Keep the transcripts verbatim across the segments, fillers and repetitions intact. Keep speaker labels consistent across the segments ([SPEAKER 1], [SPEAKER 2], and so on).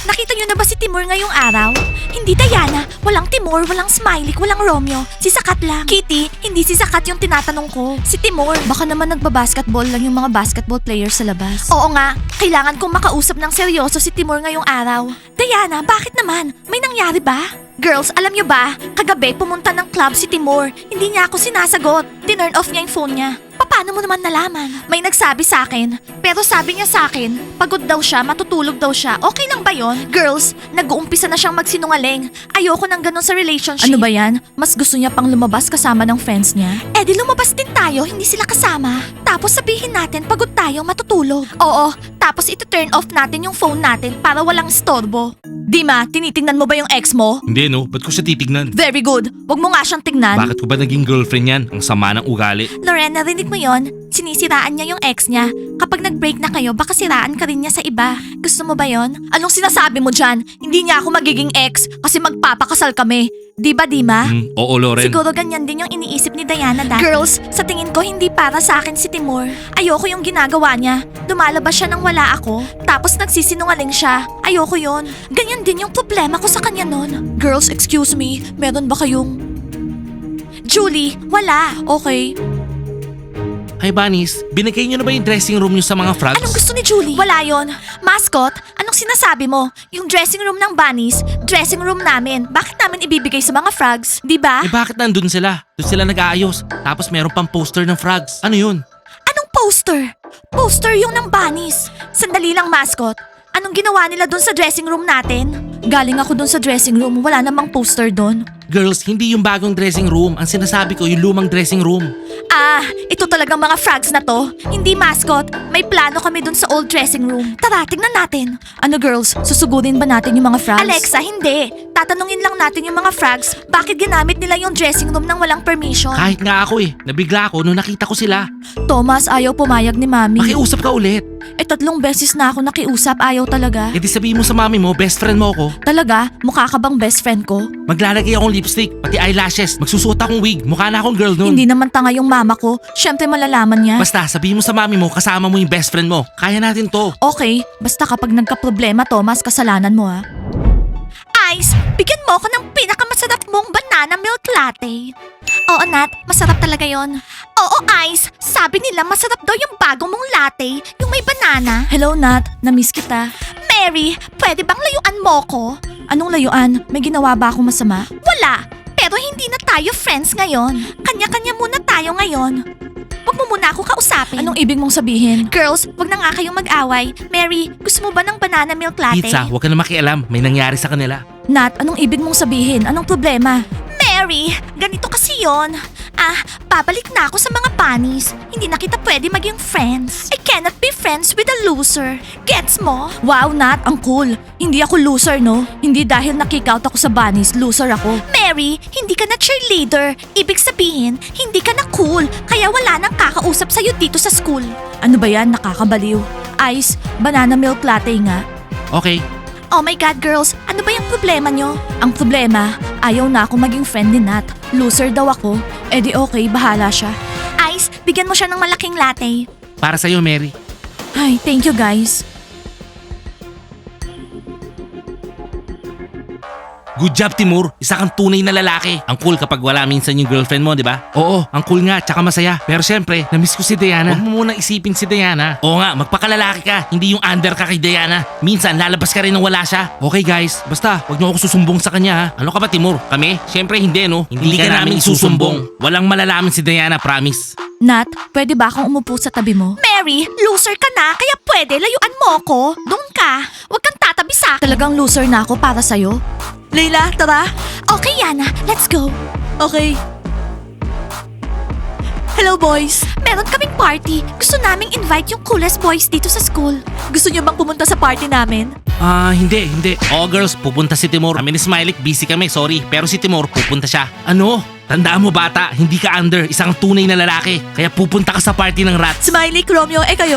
[SPEAKER 1] nakita nyo na ba si Timur ngayong araw? Hindi Diana, walang Timur, walang Smiley, walang Romeo. Si Sakat lang. Kitty, hindi si Sakat yung tinatanong ko. Si Timur. Baka naman nagbabasketball lang yung mga basketball players sa labas. Oo nga, kailangan kong makausap ng seryoso si Timur ngayong araw. Diana, bakit naman? May nangyari ba? Girls, alam nyo ba? Kagabi pumunta ng club si Timur. Hindi niya ako sinasagot. Tinurn off niya yung phone niya. Paano mo naman nalaman? May nagsabi sa akin. Pero sabi niya sa akin, pagod daw siya, matutulog daw siya. Okay lang ba yon? Girls, nag-uumpisa na siyang magsinungaling. Ayoko nang ganun sa relationship. Ano ba yan? Mas gusto niya pang lumabas kasama ng friends niya? Eh di lumabas din tayo, hindi sila kasama. Tapos sabihin natin, pagod tayo, matutulog. Oo, tapos ito-turn off natin yung phone natin para walang istorbo. Dima, tinitingnan mo ba yung ex mo?
[SPEAKER 2] Hindi no, ba't ko siya titignan?
[SPEAKER 1] Very good. Wag mo nga siyang tingnan.
[SPEAKER 2] Bakit ko ba naging girlfriend yan? Ang sama ng ugali.
[SPEAKER 1] Lorena, narinig mo yon? Sinisiraan niya yung ex niya. Kapag nag-break na kayo, baka siraan ka rin niya sa iba. Gusto mo ba yon? Anong sinasabi mo dyan? Hindi niya ako magiging ex kasi magpapakasal kami. Di ba, Dima?
[SPEAKER 2] Hmm, oo Loren.
[SPEAKER 1] Siguro ganyan din yung iniisip ni Diana dati. Girls, sa tingin ko hindi para sa akin si Timur. Ayoko yung ginagawa niya. Lumalabas siya nang wala ako, tapos nagsisinungaling siya. Ayoko yon. Ganyan din yung problema ko sa kanya nun. Girls, excuse me, meron ba kayong... Julie, wala. Okay.
[SPEAKER 2] Hi Bunnies, binigay niyo na ba yung dressing room niyo sa mga frogs?
[SPEAKER 1] Anong gusto ni Julie? Wala yon. Mascot, anong sinasabi mo? Yung dressing room ng bunnies, dressing room namin. Bakit namin ibibigay sa mga frogs? Di ba?
[SPEAKER 2] Eh bakit nandun sila? Doon sila nag-aayos. Tapos meron pang poster ng frogs. Ano yun?
[SPEAKER 1] Anong poster? Poster yung ng bunnies. Sandali lang, mascot. Anong ginawa nila doon sa dressing room natin? Galing ako doon sa dressing room, wala namang poster doon.
[SPEAKER 2] Girls, hindi yung bagong dressing room. Ang sinasabi ko, yung lumang dressing room.
[SPEAKER 1] Ah, ito talagang mga frogs na to. Hindi, mascot. May plano kami dun sa old dressing room. Tara, tignan natin. Ano girls, susugurin ba natin yung mga frogs? Alexa, hindi. Tatanungin lang natin yung mga frogs, bakit ginamit nila yung dressing room nang walang permission?
[SPEAKER 2] Kahit nga ako eh. Nabigla ako nung nakita ko sila.
[SPEAKER 1] Thomas, ayaw pumayag ni Mami.
[SPEAKER 2] Makiusap ka ulit.
[SPEAKER 1] Eh tatlong beses na ako nakiusap, ayaw talaga.
[SPEAKER 2] E di sabihin mo sa mami mo, best friend mo ako.
[SPEAKER 1] Talaga? Mukha ka bang best friend ko?
[SPEAKER 2] Maglalagay akong lipstick, pati eyelashes. Magsusuot akong wig. Mukha na akong girl nun.
[SPEAKER 1] Hindi naman tanga yung mama ko. Siyempre malalaman niya.
[SPEAKER 2] Basta sabihin mo sa mami mo, kasama mo yung best friend mo. Kaya natin to.
[SPEAKER 1] Okay, basta kapag nagka-problema, Thomas, kasalanan mo ha. Ice, bigyan mo ako ng pinakamasarap mong banana milk latte. Oo, Nat, masarap talaga yon. Oo, Ice, sabi nila masarap daw yung bagong mong latte, yung may banana. Hello, Nat, na-miss kita. Mary, pwede bang layuan mo ko? Anong layuan? May ginawa ba akong masama? Wala, pero hindi na tayo friends ngayon. Kanya-kanya muna tayo ngayon. Huwag mo muna ako kausapin. Anong ibig mong sabihin? Girls, wag na nga kayong mag-away. Mary, gusto mo ba ng banana milk latte?
[SPEAKER 2] Pizza, huwag ka na makialam. May nangyari sa kanila.
[SPEAKER 1] Nat, anong ibig mong sabihin? Anong problema? Mary, ganito kasi yon. Ah, babalik na ako sa mga bunnies. Hindi na kita pwede maging friends. I cannot be friends with a loser. Gets mo? Wow, Nat, ang cool. Hindi ako loser, no? Hindi dahil na-kick out ako sa bunnies, loser ako. Mary, hindi ka na cheerleader. Ibig sabihin, hindi ka na cool. Kaya wala nang kakausap sa'yo dito sa school. Ano ba yan? Nakakabaliw. Ice, banana milk latte nga.
[SPEAKER 2] Okay.
[SPEAKER 1] Oh my God, girls! Ano ba yung problema nyo? Ang problema, ayaw na ako maging friend ni Nat. Loser daw ako. Eh di okay, bahala siya. Ice, bigyan mo siya ng malaking latte.
[SPEAKER 2] Para sa'yo, Mary.
[SPEAKER 1] Ay, thank you guys.
[SPEAKER 2] Good job, Timur. Isa kang tunay na lalaki. Ang cool kapag wala minsan yung girlfriend mo, di ba? Oo, ang cool nga, tsaka masaya. Pero syempre, namiss ko si Diana. Huwag mo munang isipin si Diana. Oo nga, magpakalalaki ka. Hindi yung under ka kay Diana. Minsan, lalabas ka rin nang wala siya. Okay guys, basta, huwag niyo ako susumbong sa kanya ha. Ano ka ba, Timur? Kami? Syempre hindi, no? Hindi, hindi ka, ka namin isusumbong. Walang malalaman si Diana, promise.
[SPEAKER 1] Nat, pwede ba akong umupo sa tabi mo? Mary, loser ka na, kaya pwede layuan mo ako. Doon ka. Huwag kang tatabi sa akin. Talagang loser na ako para sa'yo. Leila, tara. Okay, Yana. Let's go. Okay. Hello, boys. Meron kaming party. Gusto naming invite yung coolest boys dito sa school. Gusto niyo bang pumunta sa party namin?
[SPEAKER 2] Ah, hindi, hindi. Oo girls, pupunta si Timur. Kami ni Smiley, busy kami, sorry. Pero si Timur, pupunta siya. Ano? Tandaan mo bata, hindi ka under, isang tunay na lalaki. Kaya pupunta ka sa party ng rats.
[SPEAKER 1] Smiley, Romeo, eh kayo. Kung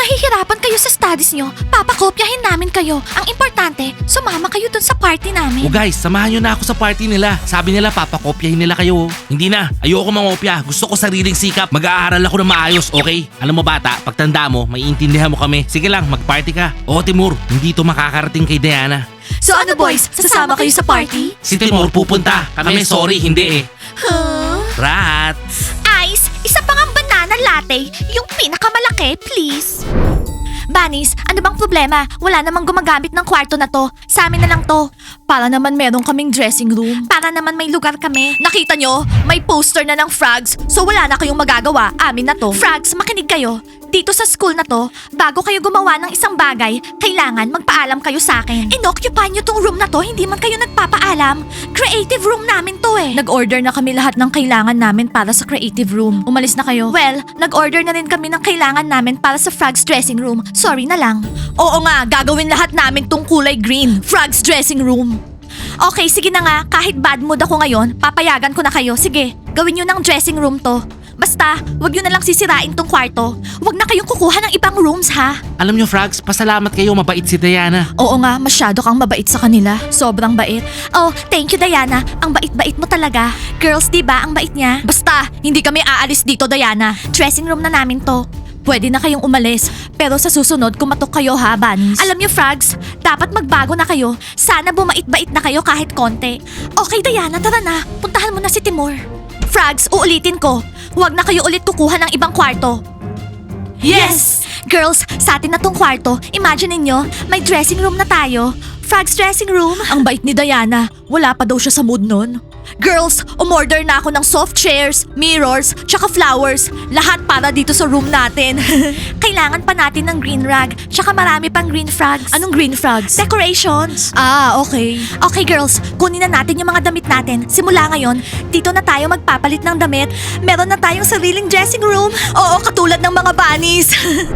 [SPEAKER 1] nahihirapan kayo sa studies nyo, papakopyahin namin kayo. Ang importante, sumama kayo dun sa party namin.
[SPEAKER 2] O guys, samahan nyo na ako sa party nila. Sabi nila papakopyahin nila kayo. Hindi na, ayoko mangopya. Gusto ko sariling sikap. Mag-aaral ako ng maayos, okay? Alam mo bata, pagtanda mo, may intindihan mo kami. Sige lang, mag-party ka. Oo Timur, hindi to makakarating kay Diana.
[SPEAKER 1] So ano boys, sasama kayo sa party?
[SPEAKER 2] Si Timur pupunta. Kami sorry, hindi eh.
[SPEAKER 1] Huh?
[SPEAKER 2] Rats!
[SPEAKER 1] Ice, isa pang ang banana latte, yung pinakamalaki, please. Bunnies, ano bang problema? Wala namang gumagamit ng kwarto na to. Sa amin na lang to. Para naman meron kaming dressing room. Para naman may lugar kami. Nakita nyo? May poster na ng frogs. So wala na kayong magagawa. Amin na to. Frogs, makinig kayo. Dito sa school na to, bago kayo gumawa ng isang bagay, kailangan magpaalam kayo sa akin. Inoccupy nyo tong room na to, hindi man kayo nagpapaalam. Creative room namin to eh. Nag-order na kami lahat ng kailangan namin para sa creative room. Umalis na kayo? Well, nag-order na rin kami ng kailangan namin para sa Frogs dressing room. Sorry na lang. Oo nga, gagawin lahat namin tong kulay green. Frogs dressing room. Okay, sige na nga. Kahit bad mood ako ngayon, papayagan ko na kayo. Sige, gawin nyo ng dressing room to. Basta, wag nyo na lang sisirain tong kwarto. Wag na kayong kukuha ng ibang rooms, ha?
[SPEAKER 2] Alam nyo Frogs, pasalamat kayo, mabait si Diana.
[SPEAKER 1] Oo nga, masyado kang mabait sa kanila. Sobrang bait. Oh, thank you, Diana. Ang bait-bait mo talaga. Girls, di ba ang bait niya? Basta, hindi kami aalis dito, Diana. Dressing room na namin to. Pwede na kayong umalis. Pero sa susunod, kumatok kayo ha, Bunnies. Alam niyo, Frogs, dapat magbago na kayo. Sana bumait-bait na kayo kahit konti. Okay, Diana, tara na. Puntahan mo na si Timur. Frogs, uulitin ko. Huwag na kayo ulit kukuha ng ibang kwarto. Yes! Girls, sa atin na tong kwarto. Imagine ninyo, may dressing room na tayo. Frogs dressing room. Ang bait ni Diana. Wala pa daw siya sa mood nun. Girls, umorder na ako ng soft chairs, mirrors, tsaka flowers. Lahat para dito sa room natin. Kailangan pa natin ng green rug, tsaka marami pang green frogs. Anong green frogs? Decorations. Ah, okay. Okay girls, kunin na natin yung mga damit natin. Simula ngayon, dito na tayo magpapalit ng damit. Meron na tayong sariling dressing room. Oo, katulad ng mga bunnies.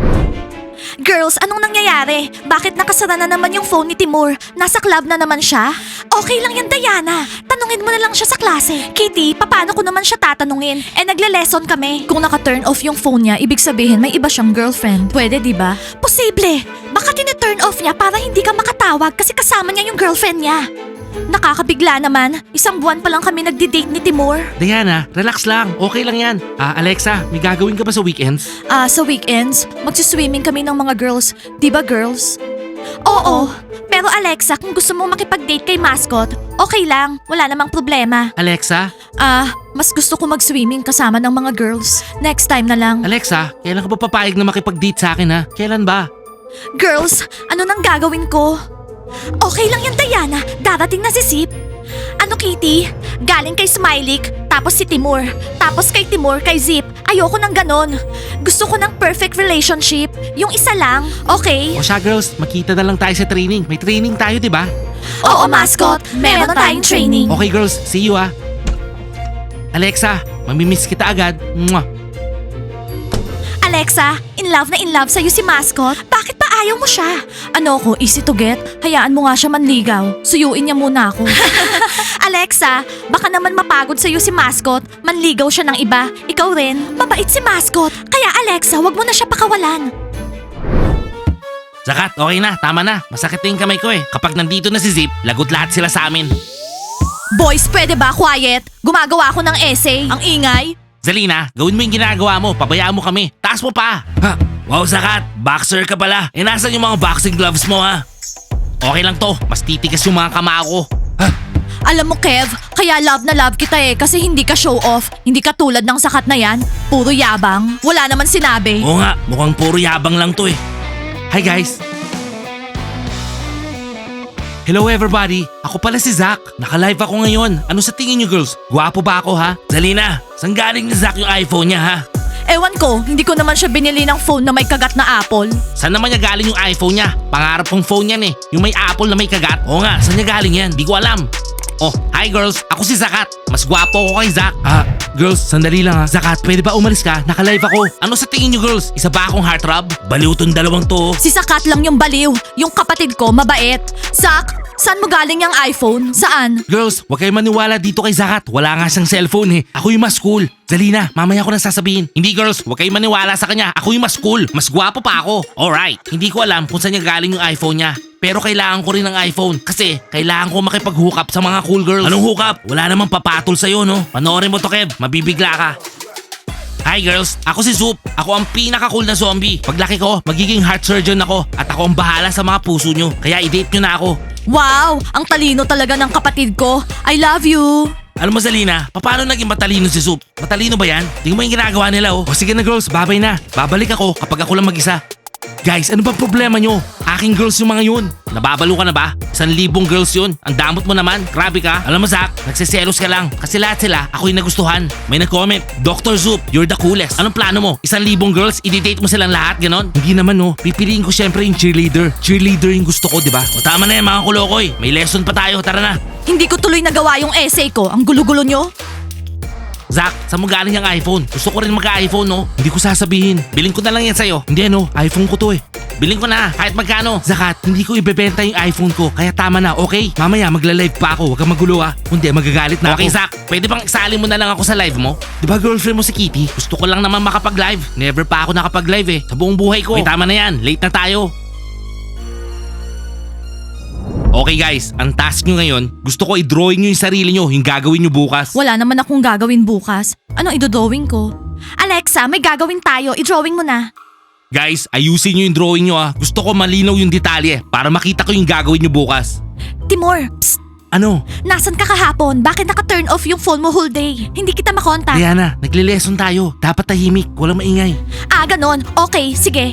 [SPEAKER 1] Girls, anong nangyayari? Bakit nakasara na naman yung phone ni Timur? Nasa club na naman siya? Okay lang yan, Diana. Tanungin mo na lang siya sa klase. Kitty, paano ko naman siya tatanungin? Eh, nagle-lesson kami. Kung naka-turn off yung phone niya, ibig sabihin may iba siyang girlfriend. Pwede, di ba? Posible. Baka tine-turn off niya para hindi ka makatawag kasi kasama niya yung girlfriend niya. Nakakabigla naman. Isang buwan pa lang kami nagdi-date ni Timur.
[SPEAKER 2] Diana, relax lang. Okay lang yan. Ah, Alexa, may gagawin ka ba sa weekends?
[SPEAKER 1] Ah, sa weekends, magsiswimming kami ng mga girls. Di ba girls? Oo. Pero Alexa, kung gusto mo makipag-date kay mascot, okay lang. Wala namang problema.
[SPEAKER 2] Alexa?
[SPEAKER 1] Ah, mas gusto ko mag-swimming kasama ng mga girls. Next time na lang.
[SPEAKER 2] Alexa, kailan ka ba papayag na makipag-date sa akin ha? Kailan ba?
[SPEAKER 1] Girls, ano nang gagawin ko? Okay lang yan, Diana. Darating na si Zip. Ano, Kitty? Galing kay Smiley, tapos si Timur. Tapos kay Timur, kay Zip. Ayoko ng ganon. Gusto ko ng perfect relationship. Yung isa lang, okay?
[SPEAKER 2] O siya girls, makita na lang tayo sa training. May training tayo, di ba?
[SPEAKER 1] Oo, mascot. Meron tayong training.
[SPEAKER 2] Okay girls, see you ah. Alexa, mamimiss kita agad. Mwah.
[SPEAKER 1] Alexa, in love na in love sa'yo si mascot. Bakit pa ayaw mo siya? Ano ko, easy to get? Hayaan mo nga siya manligaw. Suyuin niya muna ako. Alexa, baka naman mapagod sa'yo si mascot. Manligaw siya ng iba. Ikaw rin. Mabait si mascot. Kaya Alexa, wag mo na siya pakawalan.
[SPEAKER 2] Zakat, okay na, tama na. Masakit na yung kamay ko eh. Kapag nandito na si Zip, lagot lahat sila sa amin.
[SPEAKER 1] Boys, pwede ba quiet? Gumagawa ako ng essay. Ang ingay.
[SPEAKER 2] Zalina, gawin mo yung ginagawa mo. Pabayaan mo kami. Taas mo pa. Ha? Wow, Zakat. Boxer ka pala. E nasan yung mga boxing gloves mo ha? Okay lang to. Mas titigas yung mga kama ko. Ha?
[SPEAKER 1] Alam mo, Kev, kaya love na love kita eh kasi hindi ka show off. Hindi ka tulad ng sakat na yan. Puro yabang. Wala naman sinabi.
[SPEAKER 2] Oo nga, mukhang puro yabang lang to eh. Hi guys. Hello everybody, ako pala si Zach. Naka-live ako ngayon. Ano sa tingin niyo girls? Gwapo ba ako ha? Zalina, saan galing ni Zach yung iPhone niya ha?
[SPEAKER 1] Ewan ko, hindi ko naman siya binili ng phone na may kagat na apple.
[SPEAKER 2] Saan naman niya galing yung iPhone niya? Pangarap kong phone yan eh. Yung may apple na may kagat. Oo nga, saan niya galing yan? Di ko alam. Oh, hi girls, ako si Zakat. Mas gwapo ako kay Zach. Ah, girls, sandali lang ha. Zakat, pwede ba umalis ka? Naka-live ako. Ano sa tingin niyo girls? Isa ba akong heartthrob? Baliw tong dalawang to.
[SPEAKER 1] Si Sakat lang yung baliw. Yung kapatid ko, mabait. Zach, Saan mo galing yung iPhone? Saan?
[SPEAKER 2] Girls, huwag kayo maniwala dito kay Zakat. Wala nga siyang cellphone eh. Ako yung mas cool. Zalina, mamaya ko na sasabihin. Hindi girls, huwag kayo maniwala sa kanya. Ako yung mas cool. Mas gwapo pa ako. Alright, hindi ko alam kung saan niya galing yung iPhone niya. Pero kailangan ko rin ng iPhone kasi kailangan ko makipag-hook up sa mga cool girls. Anong hook up? Wala namang papatol sa'yo, no? Panoorin mo to, Kev. Mabibigla ka. Hi girls, ako si Zoop. Ako ang pinaka-cool na zombie. Paglaki ko, magiging heart surgeon ako at ako ang bahala sa mga puso nyo. Kaya i-date nyo na ako.
[SPEAKER 1] Wow! Ang talino talaga ng kapatid ko. I love you!
[SPEAKER 2] Alam mo Zalina, paano naging matalino si Zoop? Matalino ba yan? Tingnan mo yung ginagawa nila oh. O sige na girls, babay na. Babalik ako kapag ako lang mag-isa. Guys, ano ba problema nyo? Aking girls yung mga yun. Nababalo ka na ba? Isang libong girls yun. Ang damot mo naman. Grabe ka. Alam mo Zach, nagsiselos ka lang. Kasi lahat sila, ako yung nagustuhan. May nag-comment, Doctor Zoop, you're the coolest. Anong plano mo? Isang libong girls, i-date mo silang lahat, ganon? Hindi naman no. Pipiliin ko syempre yung cheerleader. Cheerleader yung gusto ko, di ba? O tama na yan mga kulokoy. May lesson pa tayo. Tara na.
[SPEAKER 1] Hindi ko tuloy nagawa yung essay ko. Ang gulo-gulo nyo.
[SPEAKER 2] Zach, saan mo galing yung iPhone? Gusto ko rin mag-iPhone, no? Hindi ko sasabihin. Bilhin ko na lang yan sa'yo. Hindi, no? iPhone ko to eh. Bilhin ko na, kahit magkano. Zakat, hindi ko ibebenta yung iPhone ko. Kaya tama na, okay? Mamaya magla-live pa ako. Huwag kang magulo ah. Kundi magagalit na okay, ako. Okay, Zach. Pwede bang isali mo na lang ako sa live mo? Di ba girlfriend mo si Kitty? Gusto ko lang naman makapag-live. Never pa ako nakapag-live eh. Sa buong buhay ko. Okay, tama na yan. Late na tayo. Okay guys, ang task nyo ngayon, gusto ko i-drawing nyo yung sarili nyo, yung gagawin nyo bukas.
[SPEAKER 1] Wala naman akong gagawin bukas. Anong idodrawing ko? Alexa, may gagawin tayo. I-drawing mo na.
[SPEAKER 2] Guys, ayusin nyo yung drawing nyo ah. Gusto ko malinaw yung detalye para makita ko yung gagawin nyo bukas.
[SPEAKER 1] Timur, psst.
[SPEAKER 2] Ano?
[SPEAKER 1] Nasaan ka kahapon? Bakit naka-turn off yung phone mo whole day? Hindi kita makontak.
[SPEAKER 2] Diana, nagle-lesson tayo. Dapat tahimik, walang maingay.
[SPEAKER 1] Ah, ganon. Okay, sige.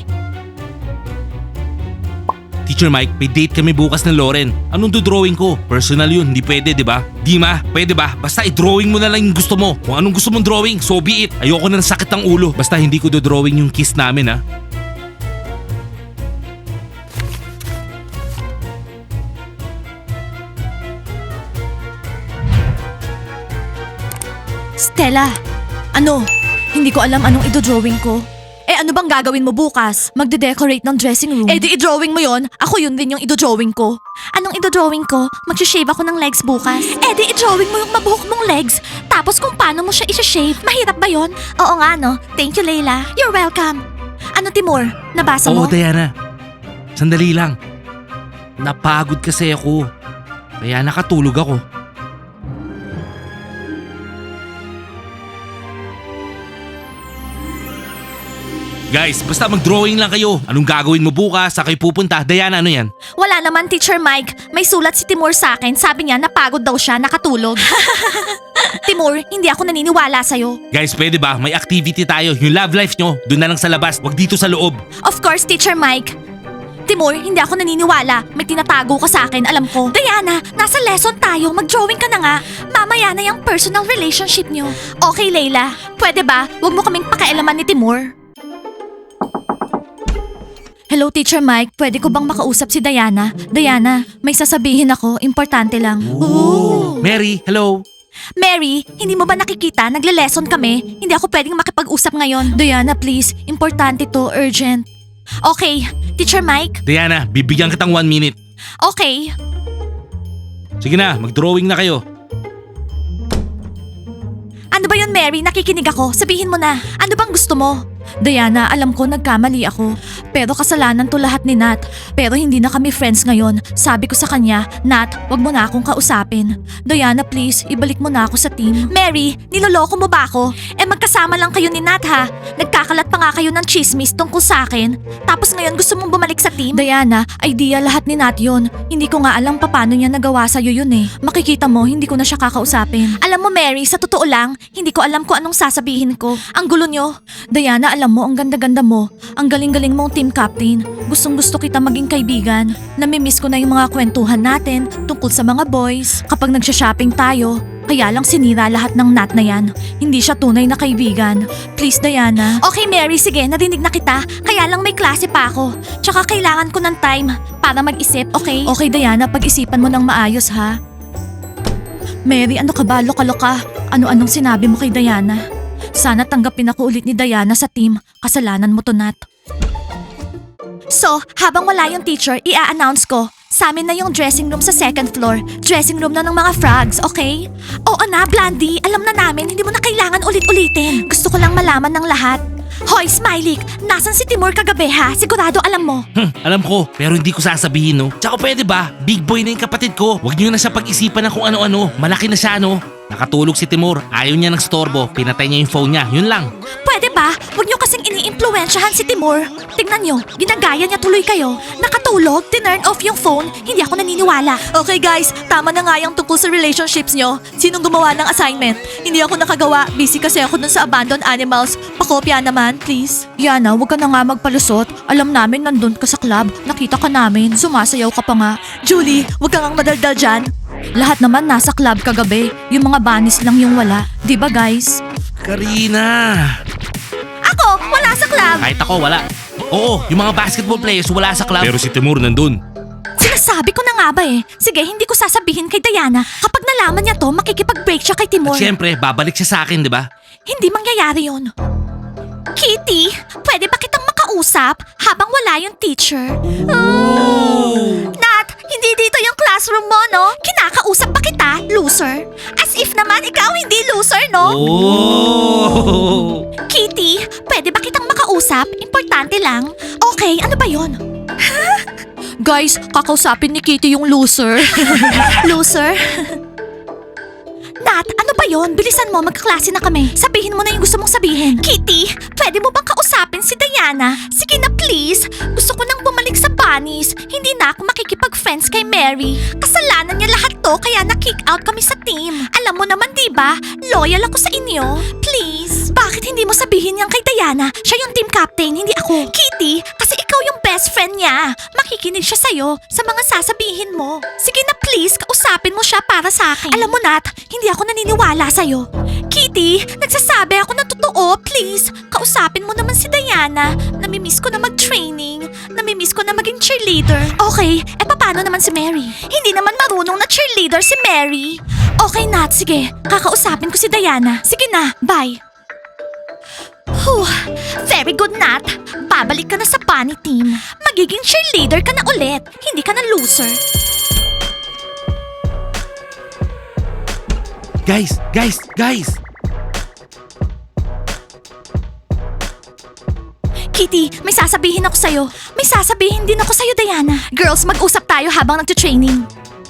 [SPEAKER 2] Teacher Mike, may date kami bukas ng Loren. Anong do-drawing ko? Personal yun, hindi pwede, di ba? Di ma, pwede ba? Basta i-drawing mo na lang yung gusto mo. Kung anong gusto mong drawing, so be it. Ayoko na ng sakit ng ulo. Basta hindi ko do-drawing yung kiss namin, ha?
[SPEAKER 1] Stella, ano? Hindi ko alam anong idodrawing ko. Eh ano bang gagawin mo bukas? Magde-decorate ng dressing room. Eh di i-drawing mo yon. Ako yun din yung idodrawing ko. Anong idodrawing ko? Mag-shave ako ng legs bukas. Eh di i-drawing mo yung mabuhok mong legs. Tapos kung paano mo siya i-shave. Mahirap ba yon? Oo nga no. Thank you Layla. You're welcome. Ano Timur? Nabasa mo?
[SPEAKER 2] Oo, Diana. Sandali lang. Napagod kasi ako. Kaya nakatulog ako. Guys, basta mag-drawing lang kayo. Anong gagawin mo bukas? Sa kayo pupunta? Diana, ano yan?
[SPEAKER 1] Wala naman, Teacher Mike. May sulat si Timur sa akin. Sabi niya, napagod daw siya, nakatulog. Timur, hindi ako naniniwala sa'yo.
[SPEAKER 2] Guys, pwede ba? May activity tayo. Yung love life nyo, doon na lang sa labas. Wag dito sa loob.
[SPEAKER 1] Of course, Teacher Mike. Timur, hindi ako naniniwala. May tinatago ka sa akin, alam ko. Diana, nasa lesson tayo. Mag-drawing ka na nga. Mamaya na yung personal relationship nyo. Okay, Layla. Pwede ba? Huwag mo kaming pakialaman ni Timur. Hello, Teacher Mike. Pwede ko bang makausap si Diana? Diana, may sasabihin ako. Importante lang. Ooh.
[SPEAKER 2] Mary, hello.
[SPEAKER 1] Mary, hindi mo ba nakikita? Nagle-lesson kami. Hindi ako pwedeng makipag-usap ngayon. Diana, please. Importante to. Urgent. Okay. Teacher Mike?
[SPEAKER 2] Diana, bibigyan kitang one minute.
[SPEAKER 1] Okay.
[SPEAKER 2] Sige na, mag-drawing na kayo.
[SPEAKER 1] Ano ba yun, Mary? Nakikinig ako. Sabihin mo na. Ano bang gusto mo? Diana, alam ko nagkamali ako. Pero kasalanan to lahat ni Nat. Pero hindi na kami friends ngayon. Sabi ko sa kanya, Nat, wag mo na akong kausapin. Diana, please, ibalik mo na ako sa team. Mary, niloloko mo ba ako? Eh magkasama lang kayo ni Nat ha. Nagkakalat pa nga kayo ng chismis tungkol sa akin. Tapos ngayon gusto mong bumalik sa team? Diana, idea lahat ni Nat yun. Hindi ko nga alam paano niya nagawa sa'yo yun eh. Makikita mo, hindi ko na siya kakausapin. Alam mo Mary, sa totoo lang, hindi ko alam kung anong sasabihin ko. Ang gulo nyo. Diana, alam mo, ang ganda-ganda mo. Ang galing-galing mong team captain. Gustong gusto kita maging kaibigan. Namimiss ko na yung mga kwentuhan natin tungkol sa mga boys. Kapag nagsha-shopping tayo, kaya lang sinira lahat ng Nat na yan. Hindi siya tunay na kaibigan. Please, Diana. Okay, Mary, sige, narinig na kita. Kaya lang may klase pa ako. Tsaka kailangan ko ng time para mag-isip, okay? Okay, Diana, pag-isipan mo ng maayos, ha? Mary, ano ka ba? Loka-loka. Ano-anong sinabi mo kay Diana? Sana tanggapin ako ulit ni Diana sa team. Kasalanan mo to, Nat. So, habang wala yung teacher, i-a-announce ko. Sa amin na yung dressing room sa second floor. Dressing room na ng mga frogs, okay? Oo na, Blandy. Alam na namin, hindi mo na kailangan ulit-ulitin. Gusto ko lang malaman ng lahat. Hoy, Smiley! Nasaan si Timur kagabi ha? Sigurado alam mo.
[SPEAKER 2] Hmm, alam ko, pero hindi ko sasabihin, no? Tsaka pwede ba? Big boy na yung kapatid ko. Huwag niyo na siya pag-isipan ng kung ano-ano. Malaki na siya, no? Nakatulog si Timur. Ayaw niya ng storbo. Pinatay niya yung phone niya. Yun lang.
[SPEAKER 1] Pwede ba? Huwag niyo kasing ini-impluwensyahan si Timur. Tingnan niyo, ginagaya niya tuloy kayo. Nakatulog, tinurn off yung phone. Hindi ako naniniwala. Okay guys, tama na nga yung tungkol sa relationships niyo. Sinong gumawa ng assignment? Hindi ako nakagawa. Busy kasi ako dun sa abandoned animals. Pakopya naman, please. Yana, huwag ka na nga magpalusot. Alam namin nandun ka sa club. Nakita ka namin. Sumasayaw ka pa nga. Julie, huwag ka ngang madaldal dyan. Lahat naman nasa club kagabi. Yung mga banis lang yung wala. Di ba guys?
[SPEAKER 2] Karina!
[SPEAKER 1] Ako, wala sa club.
[SPEAKER 2] Kahit ako, wala. Oo, yung mga basketball players wala sa club. Pero si Timur nandun.
[SPEAKER 1] Sinasabi ko na nga ba eh. Sige, hindi ko sasabihin kay Diana. Kapag nalaman niya to, makikipag-break siya kay Timur.
[SPEAKER 2] At syempre, babalik siya sa akin, di ba?
[SPEAKER 1] Hindi mangyayari yun. Kitty, pwede ba kitang makausap habang wala yung teacher? Oh. Nat, hindi dito yung classroom mo, no? Kinakausap pa kita, loser. As if naman ikaw hindi loser, no?
[SPEAKER 2] Oh!
[SPEAKER 1] Kitty, pwede ba kitang makausap? Importante lang. Okay, ano ba yon? Guys, kakausapin ni Kitty yung loser. Loser? Nat, ano ba yon? Bilisan mo, magkaklase na kami. Sabihin mo na yung gusto mong sabihin. Kitty, pwede mo bang kausapin si Diana? Sige na please. Gusto ko nang bumalik sa bunnies. Hindi na ako makikipag-friends kay Mary. Kasalanan niya lahat to kaya na-kick out kami sa team. Alam mo naman diba, loyal ako sa inyo. Please. Bakit hindi mo sabihin yan kay Diana? Siya yung team captain, hindi ako. Kitty, kasi ikaw yung best friend niya. Makikinig siya sa'yo sa mga sasabihin mo. Sige na please, kausapin mo siya para sa akin. Alam mo Nat, hindi ako naniniwala sa'yo. Kitty, nagsasabi ako na totoo. Please, kausapin mo naman si Diana. Namimiss ko na mag-training. Namimiss ko na maging cheerleader. Okay, e paano naman si Mary? Hindi naman marunong na cheerleader si Mary. Okay Nat, sige. Kakausapin ko si Diana. Sige na, bye. Whew, very good Nat. Babalik ka na sa bunny team. Magiging cheerleader ka na ulit. Hindi ka na loser.
[SPEAKER 2] Guys, guys, guys!
[SPEAKER 1] Kitty, may sasabihin ako sa'yo. May sasabihin din ako sa'yo, Diana. Girls, mag-usap tayo habang nagtutraining.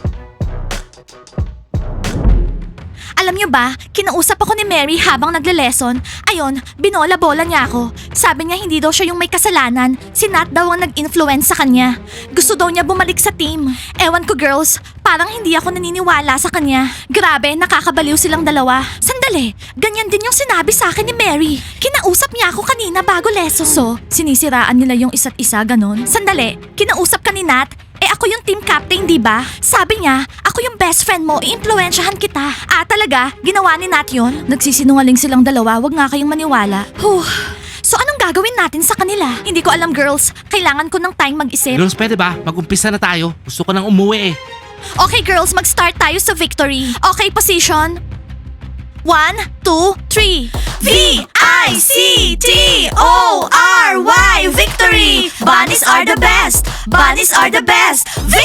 [SPEAKER 1] Alam niyo ba, kinausap ako ni Mary habang nagle-lesson. Ayun, binola-bola niya ako. Sabi niya hindi daw siya yung may kasalanan. Si Nat daw ang nag-influence sa kanya. Gusto daw niya bumalik sa team. Ewan ko girls, parang hindi ako naniniwala sa kanya. Grabe, nakakabaliw silang dalawa. Sandali, ganyan din yung sinabi sa akin ni Mary. Kinausap niya ako kanina bago lesson. So, sinisiraan nila yung isa't isa ganon? Sandali, kinausap ka ni Nat? Eh ako yung team captain, di ba? Sabi niya, ako yung best friend mo, i-influensyahan kita. Ah, talaga? Ginawa ni Nat yun? Nagsisinungaling silang dalawa, wag nga kayong maniwala. Huh. So anong gagawin natin sa kanila? Hindi ko alam girls, kailangan ko ng time mag-isip.
[SPEAKER 2] Girls, pwede ba? Mag-umpisa na tayo. Gusto ko nang umuwi eh.
[SPEAKER 1] Okay girls, mag-start tayo sa victory. Okay, position. One, two, three. V I C T O R Y Victory! Bunnies are the best! Bunnies are the best!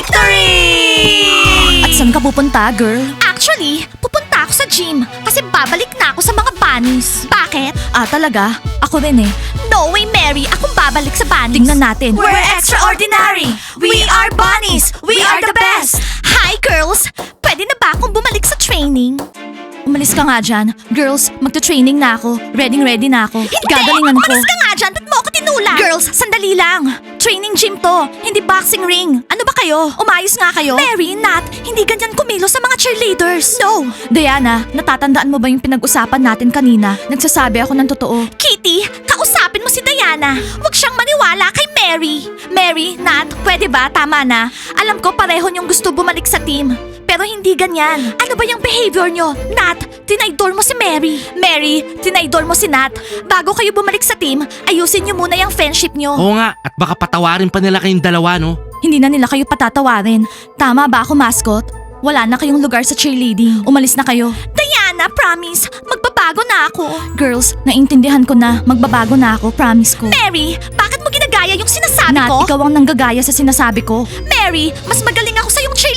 [SPEAKER 1] Victory! At saan ka pupunta, girl? Actually, pupunta ako sa gym kasi babalik na ako sa mga bunnies. Bakit? Ah, talaga? Ako rin eh. No way, Mary! Akong babalik sa bunnies. Tingnan natin. We're extraordinary! We are bunnies! We are the best! Hi, girls! Pwede na ba akong bumalik sa training? Umalis ka nga dyan. Girls, magta-training na ako. Ready-ready na ako. Hindi! Gagalingan ko. Umalis ka nga dyan. Ba't mo ako tinulak? Girls, sandali lang. Training gym to. Hindi boxing ring. Ano ba kayo? Umayos nga kayo. Mary, Nat, hindi ganyan kumilos sa mga cheerleaders. No. Diana, natatandaan mo ba yung pinag-usapan natin kanina? Nagsasabi ako ng totoo. Kitty, kausapin mo si Diana. Huwag siyang maniwala kay Mary. Mary, Nat, pwede ba? Tama na. Alam ko pareho niyong gusto bumalik sa team. Pero hindi ganyan. Ano ba yung behavior nyo? Nat, tinaydor mo si Mary. Mary, tinaydor mo si Nat. Bago kayo bumalik sa team, ayusin nyo muna yung friendship nyo.
[SPEAKER 2] Oo nga, at baka patawarin pa nila kayong dalawa, no?
[SPEAKER 1] Hindi na nila kayo patatawarin. Tama ba ako, mascot? Wala na kayong lugar sa cheerleading. Umalis na kayo. Diana, promise. Magbabago na ako. Girls, naintindihan ko na. Magbabago na ako, promise ko. Mary, bakit mo ginagaya yung sinasabi
[SPEAKER 3] Nat,
[SPEAKER 1] ko?
[SPEAKER 3] ikaw ang nanggagaya sa sinasabi ko.
[SPEAKER 1] Mary, mas magaling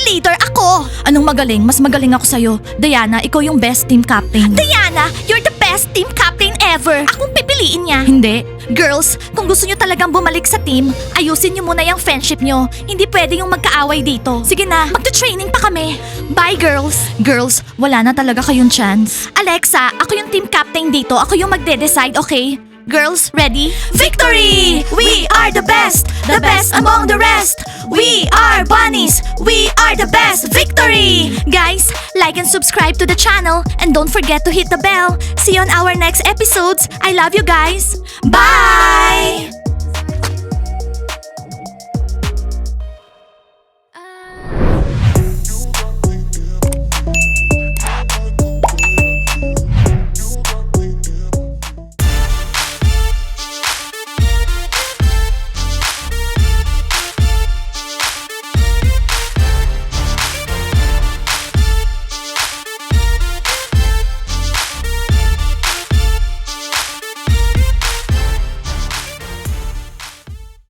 [SPEAKER 1] leader ako! Anong magaling? Mas magaling ako sa'yo. Diana, ikaw yung best team captain. Diana, you're the best team captain ever! Akong pipiliin niya. Hindi. Girls, kung gusto nyo talagang bumalik sa team, ayusin nyo muna yung friendship nyo. Hindi pwede yung magkaaway dito. Sige na, magta-training pa kami. Bye, girls. Girls, wala na talaga kayong chance. Alexa, ako yung team captain dito. Ako yung magde-decide, okay? Girls, ready? Victory! We are the best! The best among the rest! We are bunnies! We are the best! Victory! Guys, like and subscribe to the channel and don't forget to hit the bell. See you on our next episodes. I love you guys. Bye!